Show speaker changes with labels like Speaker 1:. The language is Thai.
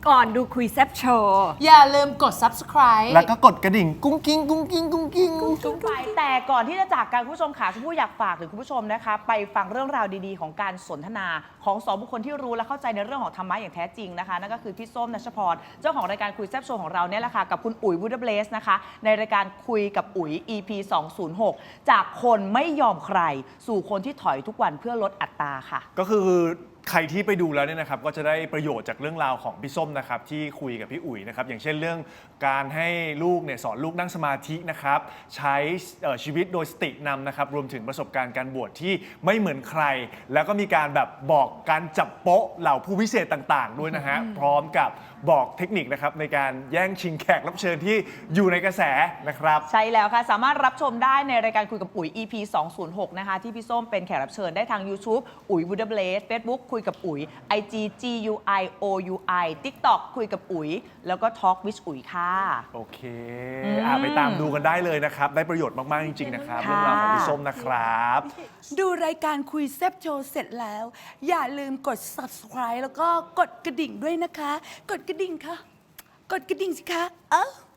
Speaker 1: ก่อนดูคุยแซบโชว์
Speaker 2: อย่าลืมกด subscribe
Speaker 3: แล้วก็กดกระดิ่งกุ้งกิ้งกุ้งกิ้งกุ้งกิ้ง
Speaker 4: ทุกไปแต่ก่อนที่จะจากกันคุณผู้ชมค่ะชมพู่อยากฝากถึงคุณผู้ชมนะคะ ไปฟังเรื่องราวดีๆ ของการสนทนาของสองบุคคลที่รู้และเข้าใจในเรื่องของธรรมะอย่างแท้จริงนะคะนั่นก็คือพี่ส้มนัชพรเจ้าของรายการคุยแซ่บโชว์ของเราเนี่ยแหละค่ะกับคุณอุ๋ยวูดเบลสนะคะในรายการคุยกับอุ๋ย EP 206จากคนไม่ยอมใครสู่คนที่ถอยทุกวันเพื่อลดอัตราค่ะ
Speaker 3: ก็คือใครที่ไปดูแล้วเนี่ยนะครับก็จะได้ประโยชน์จากเรื่องราวของพี่ส้มนะครับที่คุยกับพี่อุ๋ยนะครับอย่างเช่นเรื่องการให้ลูกเนี่ยสอนลูกนั่งสมาธินะครับใช้ชีวิตโดยสตินำนะครับรวมถึงประสบการณ์การบวชที่ไม่เหมือนใคร แล้วก็มีการแบบบอกการจับโป๊ะเหล่าผู้พิเศษต่างๆด้วยนะฮะพร้อมกับบอกเทคนิคนะครับในการแย่งชิงแขกรับเชิญที่อยู่ในกระแสนะครับ
Speaker 4: ใช่แล้วค่ะ สามารถรับชมได้ในรายการคุยกับอุ๋ย EP 206 นะคะ ที่พี่ส้มเป็นแขกรับเชิญได้ทาง YouTube อุ๋ยวูดเบลส Facebook คุยกับอุ๋ย IG GUIOUI TikTok คุยกับอุ๋ย แล้วก็ Talk with อุ๋ยค่ะ
Speaker 3: โอเคไปตามดูกันได้เลยนะครับได้ประโยชน์มากๆจริงๆนะครับเรื่องราวของพี่ส้มนะครับ
Speaker 2: ดูรายการคุยแซบโชว์เสร็จแล้ว อย่าลืมกด subscribe แล้วก็กดกระดิ่งด้วยนะคะ กดกระดิ่งค่ะ กดกระดิ่งสิคะ